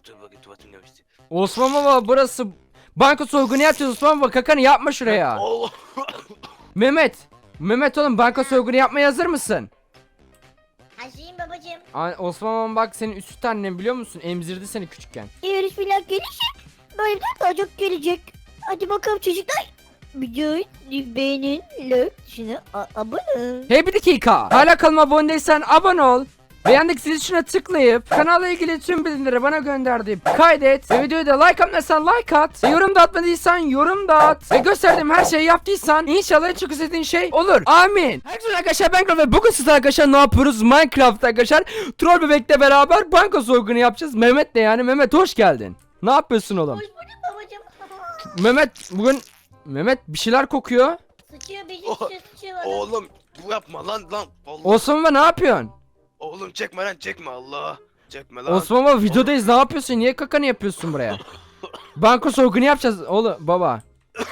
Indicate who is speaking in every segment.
Speaker 1: dur bakayım tuvaletim gelmişti.
Speaker 2: Osman baba burası banka soygunu yapacağız Osman baba, kakanı yapma şuraya.
Speaker 1: Allah.
Speaker 2: Mehmet. Mehmet oğlum, banka soygunu yapmaya hazır mısın?
Speaker 3: Hazırım babacım.
Speaker 2: Osman baba bak, senin üstü annen biliyor musun? Emzirdi seni küçükken.
Speaker 3: Eğer bismillah gelirse böyle bir daha çok gelecek. Hadi bakalım çocuklar. Videoyu beğenin, like, şuna abone.
Speaker 2: Hey bir dakika. Hala kanalıma abone değilsen abone ol. Ve yandaki zil tuşuna tıklayıp kanalla ilgili tüm bildirimleri bana gönderdiğim kaydet. Ve videoyu da like atmadıysan like at. Ve yorum da atmadıysan yorum da at. Ve gösterdiğim her şeyi yaptıysan inşallah en çok istediğin şey olur. Amin. Herkese arkadaşlar, ben Kral ve bugün siz arkadaşlar ne yapıyoruz? Minecraft arkadaşlar. Troll bebekle beraber banka soygunu yapacağız. Mehmet de yani. Mehmet hoş geldin. Ne yapıyorsun oğlum?
Speaker 3: Hoş bulduk babacım.
Speaker 2: Mehmet bugün... Mehmet bir şeyler kokuyor.
Speaker 3: Sıçıyor bizi
Speaker 1: Oh,
Speaker 3: sıçıyor bana.
Speaker 1: Oğlum bu yapma lan. Allah.
Speaker 2: Osman baba ne yapıyorsun?
Speaker 1: Oğlum çekme lan çekme Allah. Çekme lan.
Speaker 2: Osman baba videodayız, ne yapıyorsun? Niye kakanı yapıyorsun buraya? Banka soygunu yapacağız oğlum baba.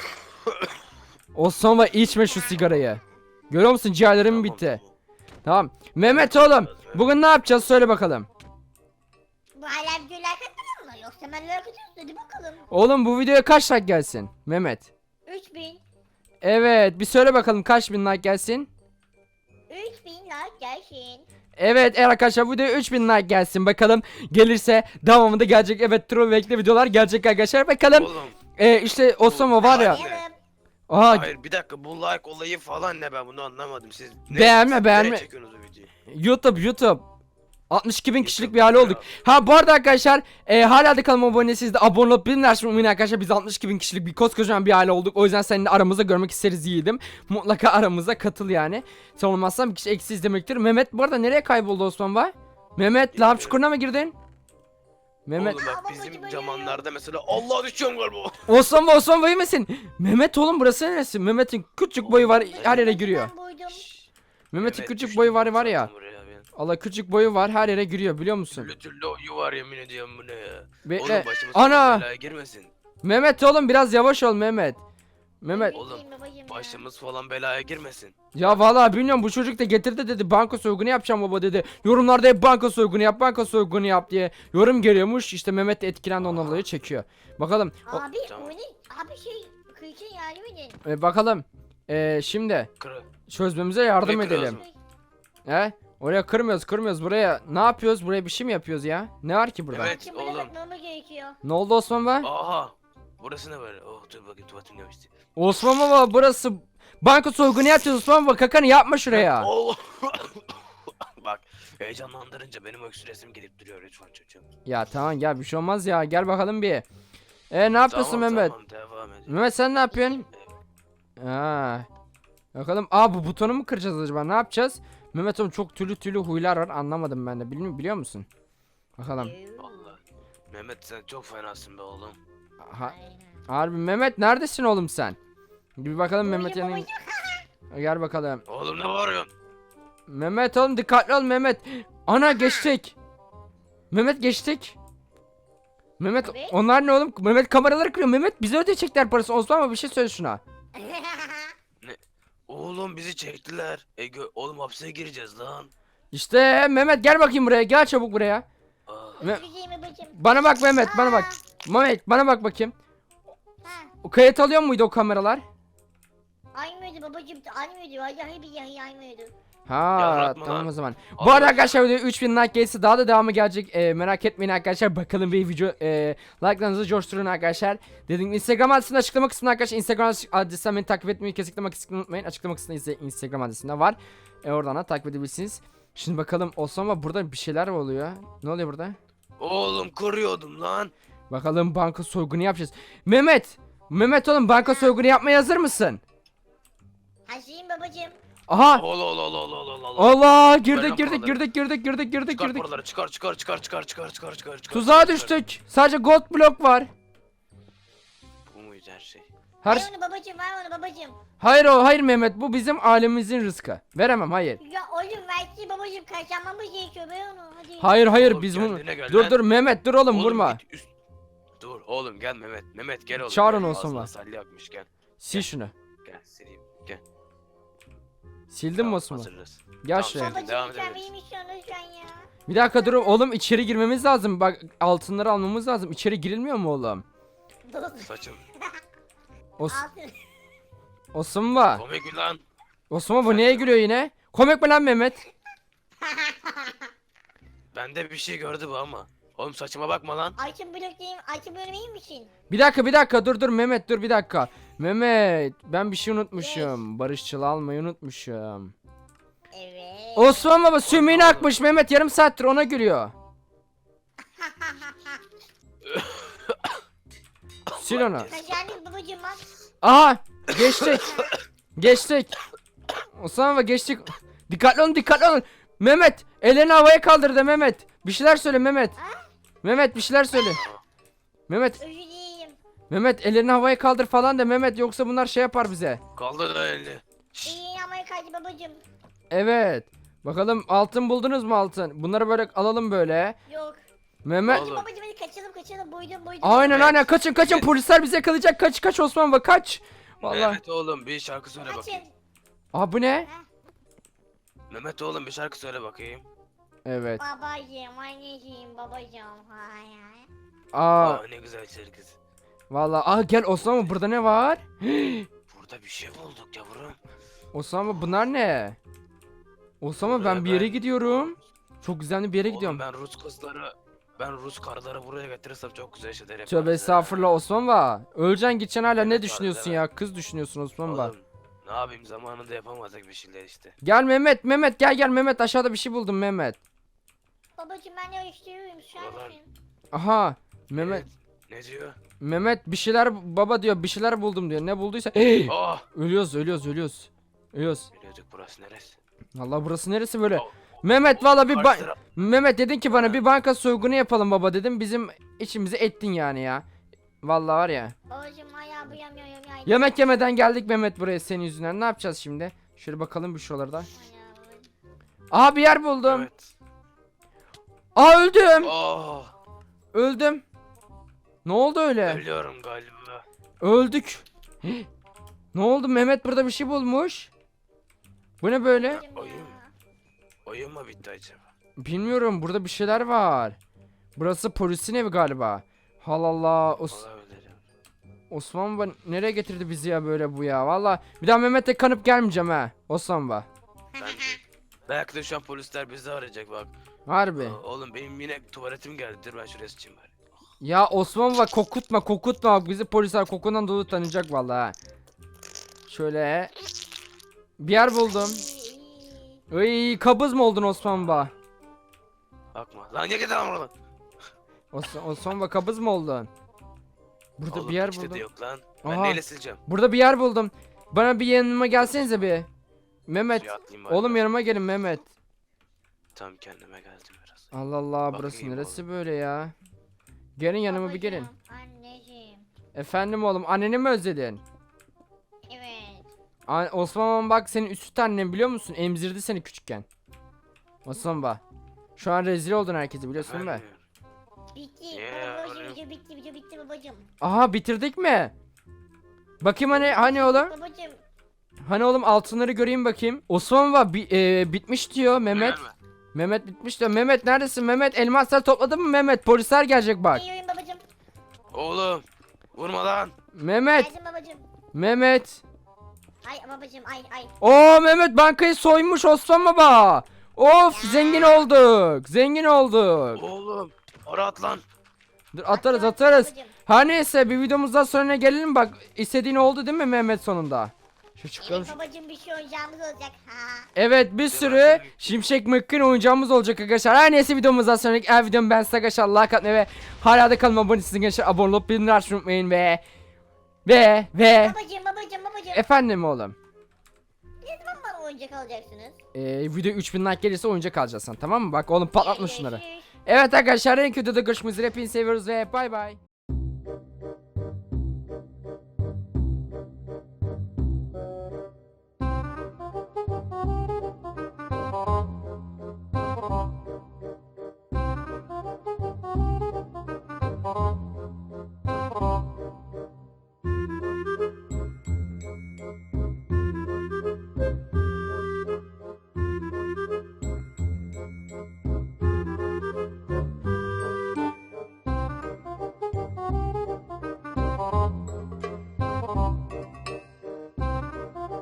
Speaker 2: Osman baba içme şu sigarayı. Görüyor musun, ciğerlerim
Speaker 1: Tamam,
Speaker 2: bitti.
Speaker 1: tamam.
Speaker 2: Tamam. Mehmet oğlum bugün ne yapacağız, söyle bakalım.
Speaker 3: Bu hala videoyu like atmadın mı? Yoksa ben like atıyorsun, hadi bakalım.
Speaker 2: Oğlum bu videoya kaç like gelsin Mehmet?
Speaker 3: 3000.
Speaker 2: Evet bir söyle bakalım, kaç bin like gelsin?
Speaker 3: 3000 like gelsin.
Speaker 2: Evet arkadaşlar, bu videoya 3000 like gelsin bakalım. Gelirse devamında gelecek. Evet, troll bekle videolar gelecek arkadaşlar, bakalım.
Speaker 1: Oğlum.
Speaker 2: İşte Osman baba var ya.
Speaker 1: Hayır.
Speaker 3: Arayalım.
Speaker 2: Aha,
Speaker 1: Hayır bir dakika, bu like olayı falan ne, ben bunu anlamadım. Siz
Speaker 2: Beğenme, beğenme.
Speaker 1: nereye çekiyorsunuz bu videoyu?
Speaker 2: YouTube 62 bin kişilik
Speaker 1: YouTube
Speaker 2: bir hale
Speaker 1: ya.
Speaker 2: olduk. Ha bu arada arkadaşlar hala da kanalıma abone değilseniz de abone olup bilin arkadaşlar, biz 62 bin kişilik bir koskocaman bir aile olduk. O yüzden seninle aramızda görmek isteriz yiğidim. Mutlaka aramıza katıl yani. Sen olmazsan bir kişi eksiz demektir. Mehmet bu arada nereye kayboldu Osman Bey? Mehmet lav çukuruna mı girdin? Mehmet.
Speaker 1: Oğlum bak
Speaker 3: Ama
Speaker 1: bizim
Speaker 3: bacım
Speaker 1: zamanlarda mesela Allah düşüyorum galiba.
Speaker 2: Osman Bey misin? Mehmet oğlum burası neresi? Mehmet'in küçük boyu var, her yere giriyor.
Speaker 3: Ben buydum.
Speaker 2: Mehmet'in
Speaker 1: Evet,
Speaker 2: küçük
Speaker 1: düştüm
Speaker 2: boyu var
Speaker 1: ben
Speaker 2: ya.
Speaker 1: zaten buraya ben.
Speaker 2: Allah, küçük boyu var, her yere giriyor biliyor musun?
Speaker 1: Türlü türlü oyu var, yemin ediyorum bu ne ya.
Speaker 2: Bekle.
Speaker 1: Oğlum başımız
Speaker 2: Ana!
Speaker 1: belaya girmesin.
Speaker 2: Mehmet oğlum biraz yavaş ol Mehmet. Mehmet.
Speaker 1: Oğlum,
Speaker 3: Babacım ya.
Speaker 1: Başımız falan belaya girmesin.
Speaker 2: Ya vallahi bilmiyorum, bu çocuk da getirdi dedi, banka soygunu yapacağım baba dedi. Yorumlarda hep banka soygunu yap diye yorum geliyormuş. İşte Mehmet de etkilendi, ondan dolayı çekiyor. Bakalım.
Speaker 3: Abi
Speaker 1: Tamam.
Speaker 3: o ne? Abi şey kıyıcın yardım edin.
Speaker 2: Bakalım. Şimdi
Speaker 1: Kırı.
Speaker 2: çözmemize yardım
Speaker 1: Burayı
Speaker 2: edelim.
Speaker 1: kırıyoruz
Speaker 2: He? Oraya kırmıyoruz buraya. Ne yapıyoruz? Buraya bir şey mi yapıyoruz ya? Ne var ki burada?
Speaker 1: Evet.
Speaker 3: Şimdi böyle
Speaker 1: oğlum.
Speaker 3: bakmamız gerekiyor.
Speaker 2: Ne oldu Osman Bey?
Speaker 1: Aha. Burası ne böyle? Oh dur bakayım tuvaletim gelmişti.
Speaker 2: Osman baba burası banka soygunu yapacağız Osman baba, kakanı yapma şuraya.
Speaker 1: Allah. Bak heyecanlandırınca benim öksüresim gelip duruyor lütfen çocuğum.
Speaker 2: Ya tamam gel, bir şey olmaz ya, gel bakalım bir. Ne yapıyorsun
Speaker 1: Tamam,
Speaker 2: Mehmet?
Speaker 1: Tamam devam edin.
Speaker 2: Mehmet sen ne yapıyorsun? Ha. Bakalım. Bu butonu mu kıracağız acaba? Ne yapacağız? Mehmet oğlum çok türlü huylar var, anlamadım ben de. Biliyor musun? Bakalım.
Speaker 1: Allah. Mehmet sen çok fenasın be oğlum.
Speaker 2: Ha, harbi Mehmet neredesin oğlum sen? Bir bakalım Mehmet'in.
Speaker 3: Babacım.
Speaker 2: Gel bakalım.
Speaker 1: Oğlum ne bağırıyorsun?
Speaker 2: Mehmet oğlum dikkatli ol Mehmet. Ana geçtik. Mehmet geçtik. Mehmet
Speaker 3: Evet.
Speaker 2: onlar ne oğlum? Mehmet kameraları kırıyor. Mehmet bize ödeyecekler parası. Osman ama bir şey söyle şuna.
Speaker 1: Oğlum bizi çektiler. Oğlum hapse gireceğiz lan.
Speaker 2: İşte Mehmet gel bakayım buraya. Gel çabuk buraya.
Speaker 1: Ah.
Speaker 3: Güzel babacım.
Speaker 2: Bana bak Mehmet, bana bak. Mehmet bana bak bakayım.
Speaker 3: Ha.
Speaker 2: O kayıt alıyor muydu o kameralar?
Speaker 3: Aynıydı babacım. Aynıydı. Vallahi billahi aynıydı.
Speaker 2: Ha
Speaker 1: Yaratma
Speaker 2: tamam
Speaker 1: lan.
Speaker 2: o zaman. Bu
Speaker 1: Allah
Speaker 2: arada
Speaker 1: aşkına.
Speaker 2: arkadaşlar video 3000 like gelirse daha da devamı gelecek. Merak etmeyin arkadaşlar. Bakalım bir video like'larınızı coşturun arkadaşlar. Dediğim gibi Instagram adresinde açıklama kısmında arkadaşlar. Instagram adresinden beni takip etmeyi kesinlikle unutmayın. Açıklama kısmında Instagram adresinde var. Oradan da takip edebilirsiniz. Şimdi bakalım Osama, burada bir şeyler oluyor. Ne oluyor burada?
Speaker 1: Oğlum koruyordum lan.
Speaker 2: Bakalım banka soygunu yapacağız. Mehmet oğlum banka soygunu yapmaya hazır mısın?
Speaker 3: Hazırım babacım.
Speaker 2: Aha.
Speaker 1: Allah.
Speaker 2: Allah
Speaker 1: Ver
Speaker 2: girdik
Speaker 1: lan
Speaker 2: girdik
Speaker 1: paraları.
Speaker 2: girdik
Speaker 1: Çıkar paraları çıkar.
Speaker 2: Tuzağa düştük. Sadece gold blok var.
Speaker 1: Bu muydu her şey?
Speaker 2: Her
Speaker 3: Ver onu babacım, ver onu babacım.
Speaker 2: hayır Mehmet, bu bizim ailemizin rızkı. Veremem, hayır.
Speaker 3: Ya oğlum versin babacım, kazanmamız gerekiyor, ver onu hadi.
Speaker 2: Hayır
Speaker 1: Oğlum,
Speaker 2: biz bunu.
Speaker 1: kendine gel lan.
Speaker 2: Dur Mehmet dur oğlum vurma.
Speaker 1: git Dur oğlum gel Mehmet. Mehmet gel oğlum.
Speaker 2: Çağırın
Speaker 1: gel.
Speaker 2: olsun
Speaker 1: Ağzına
Speaker 2: lan.
Speaker 1: salya akmış gel.
Speaker 2: Sil şunu.
Speaker 1: Gel sileyim. Gel.
Speaker 2: Sildin mi
Speaker 1: Tamam,
Speaker 2: Osman?
Speaker 1: hazırız.
Speaker 2: Gel
Speaker 1: Tamam,
Speaker 2: şuraya.
Speaker 1: sildim.
Speaker 3: Babacım
Speaker 1: Devam
Speaker 3: lütfen
Speaker 1: edebiliriz.
Speaker 3: benim için lütfen ya.
Speaker 2: Bir dakika dur oğlum, içeri girmemiz lazım. Bak altınları almamız lazım. İçeri girilmiyor mu oğlum?
Speaker 1: Saçım.
Speaker 3: Altın.
Speaker 2: Osman.
Speaker 1: Komik mi lan?
Speaker 2: Osman bu neye gülüyor yine? Komik mi lan Mehmet?
Speaker 1: Bende bir şey gördü bu ama. Oğlum saçıma bakma lan.
Speaker 3: Ayçın bloktayım. Ayçın bölümeyim misin?
Speaker 2: Bir dakika dur Mehmet, dur bir dakika. Mehmet ben bir şey unutmuşum. Barışçıl almayı unutmuşum.
Speaker 3: Evet.
Speaker 2: Osman baba sümüğünü akmış Mehmet, yarım saattir ona gülüyor. Sil onu.
Speaker 3: Kaşarlı babacım bak.
Speaker 2: Aha geçtik. Geçtik. Osman baba geçtik. Dikkatli olun. Mehmet ellerini havaya kaldır da Mehmet. Bir şeyler söyle Mehmet. Mehmet bir şeyler söyle. Mehmet
Speaker 3: Özür dileyim.
Speaker 2: Mehmet ellerini havaya kaldır falan da Mehmet, yoksa bunlar şey yapar bize.
Speaker 1: Kaldır da elini.
Speaker 3: İyi Amerikacı babacım.
Speaker 2: Evet. Bakalım altın buldunuz mu altın? Bunları böyle alalım böyle.
Speaker 3: Yok.
Speaker 2: Mehmet.
Speaker 1: Oğlum.
Speaker 3: Babacım hadi kaçalım. Boydum.
Speaker 2: Aynen kaçın polisler bize yakalayacak, kaç Osman baba kaç. Vallahi.
Speaker 1: Mehmet oğlum bir şarkı söyle
Speaker 3: Kaçın.
Speaker 1: bakayım.
Speaker 2: Aa bu ne?
Speaker 1: Mehmet oğlum bir şarkı söyle bakayım.
Speaker 2: Evet.
Speaker 3: Babacım, anneciğim, babacım. Hay hay.
Speaker 2: Aa
Speaker 1: Aa ne güzel şarkısı.
Speaker 2: vallahi gel Osman baba, burada ne var?
Speaker 1: Burada bir şey bulduk yavrum.
Speaker 2: Osman baba bunlar ne? Osman baba ben
Speaker 1: Buraya
Speaker 2: bir yere
Speaker 1: ben-
Speaker 2: gidiyorum. Çok güzel bir yere
Speaker 1: Oğlum
Speaker 2: gidiyorum.
Speaker 1: ben Rus karıları buraya getirirsem çok güzel şeyler yaparız.
Speaker 2: Tövbe
Speaker 1: ha.
Speaker 2: estağfurullah Osman baba. Öleceksin gideceksin hala, ne
Speaker 1: Evet,
Speaker 2: düşünüyorsun
Speaker 1: harbiden.
Speaker 2: ya? Kız düşünüyorsun Osman baba.
Speaker 1: Oğlum ne yapayım zamanında yapamadık bir şeyler işte.
Speaker 2: Gel Mehmet gel Mehmet, aşağıda bir şey buldum Mehmet.
Speaker 3: Babacım ben de istiyorum. Şu
Speaker 1: Ulan.
Speaker 3: an.
Speaker 2: Aha Mehmet.
Speaker 1: Ne diyor?
Speaker 2: Mehmet bir şeyler baba diyor, bir şeyler buldum diyor. Ne bulduysa.
Speaker 1: Oh!
Speaker 2: Ölüyoruz.
Speaker 1: Biliyorduk burası neresi?
Speaker 2: Allah burası neresi böyle?
Speaker 1: Oh,
Speaker 2: Mehmet valla bir
Speaker 1: karşı taraf-
Speaker 2: Mehmet dedin ki bana bir banka soygunu yapalım baba dedim. Bizim içimizi ettin yani ya. Vallahi var ya.
Speaker 3: Babacım ayağı buyamıyorum ya.
Speaker 2: Yemek yemeden geldik Mehmet buraya senin yüzünden. Ne yapacağız şimdi? Şöyle bakalım bir şuralarda. Aha bir yer buldum.
Speaker 1: Evet.
Speaker 2: Aa öldüm.
Speaker 1: Oh!
Speaker 2: Öldüm. Ne oldu öyle?
Speaker 1: Ölüyorum galiba.
Speaker 2: Öldük. Ne oldu? Mehmet burada bir şey bulmuş. Bu ne böyle?
Speaker 1: Oyun. Oyun mu bitti acaba?
Speaker 2: Bilmiyorum, burada bir şeyler var. Burası polisin evi galiba. Allah
Speaker 1: Olabilir.
Speaker 2: Osman baba nereye getirdi bizi ya böyle bu ya? Valla bir daha Mehmet'e kanıp gelmeyeceğim ha. Osman baba.
Speaker 1: Bence. Belki de şu an polisler bizi arayacak bak.
Speaker 2: Harbi.
Speaker 1: Oğlum benim yine tuvaletim geldi. Dur ben şuraya sıçayım bari.
Speaker 2: Ya Osman baba kokutma. Bak bizi polisler kokundan dolayı tanıyacak valla ha. Şöyle. Bir yer buldum. Ay kabız mı oldun Osman baba?
Speaker 1: Bakma. Lan ne gidiyorsun oradan?
Speaker 2: Osman baba kabız mı oldun? Burada
Speaker 1: Oğlum,
Speaker 2: bir yer
Speaker 1: işte de
Speaker 2: buldum.
Speaker 1: yok lan. Ben
Speaker 2: Aha.
Speaker 1: neyle sileceğim?
Speaker 2: Burada bir yer buldum. Bana bir yanıma gelsenize bir. Mehmet.
Speaker 1: Suya atlayayım bari.
Speaker 2: Oğlum yanıma gelin Mehmet.
Speaker 1: Tam kendime geldim biraz.
Speaker 2: Allah Allah burası
Speaker 1: Bakayım
Speaker 2: neresi böyle ya? Gelin yanıma bir gelin.
Speaker 3: Anneciğim.
Speaker 2: Efendim oğlum, anneni mi özledin?
Speaker 3: Evet.
Speaker 2: Osman bak senin üst annen biliyor musun? Emzirdi seni küçükken. Osman bak. Şu an rezil oldun herkese biliyorsun değil mi?
Speaker 1: Efendim?
Speaker 3: Bitti.
Speaker 1: Yeah,
Speaker 3: Babacım
Speaker 1: oğlum.
Speaker 3: video bitti babacım.
Speaker 2: Aha bitirdik mi? Bakayım hani oğlum?
Speaker 3: Babacım.
Speaker 2: Hani oğlum altınları göreyim bakayım. Osman bak bitmiş diyor Mehmet.
Speaker 1: Gelme.
Speaker 2: Mehmet bitmiş diyor. Mehmet neredesin Mehmet? Elmaslar topladın mı Mehmet? Polisler gelecek bak.
Speaker 3: Geliyorum babacım.
Speaker 1: Oğlum. Vurma lan.
Speaker 2: Mehmet.
Speaker 3: Geldim babacım.
Speaker 2: Mehmet.
Speaker 3: Ay babacım ay.
Speaker 2: Oo Mehmet bankayı soymuş Osman baba. Of zengin olduk.
Speaker 1: Oğlum. Ara at lan.
Speaker 2: Dur atarız.
Speaker 3: Babacım.
Speaker 2: Her neyse bir videomuzdan sonra gelelim bak. İstediğin oldu değil mi Mehmet sonunda? Şu çıkalım.
Speaker 3: Evet babacım bir şey oyuncağımız olacak. Ha.
Speaker 2: Evet bir sürü Şimşek McQueen oyuncağımız olacak arkadaşlar. Her neyse videomuzdan sonraki her videomu ben size arkadaşlar like atmayı ve hala da kanalıma abone değilseniz arkadaşlar abone olup bildirimleri açmayı unutmayın ve
Speaker 3: Babacım.
Speaker 2: efendim oğlum.
Speaker 3: Ne zaman bana oyuncak alacaksınız?
Speaker 2: Video 3000 like gelirse oyuncak alacaksın tamam mı? Bak oğlum patlatma şunları.
Speaker 3: Görüşürüz.
Speaker 2: Evet arkadaşlar en kötü de görüşmek üzere. Hepinizi seviyoruz ve bay bay.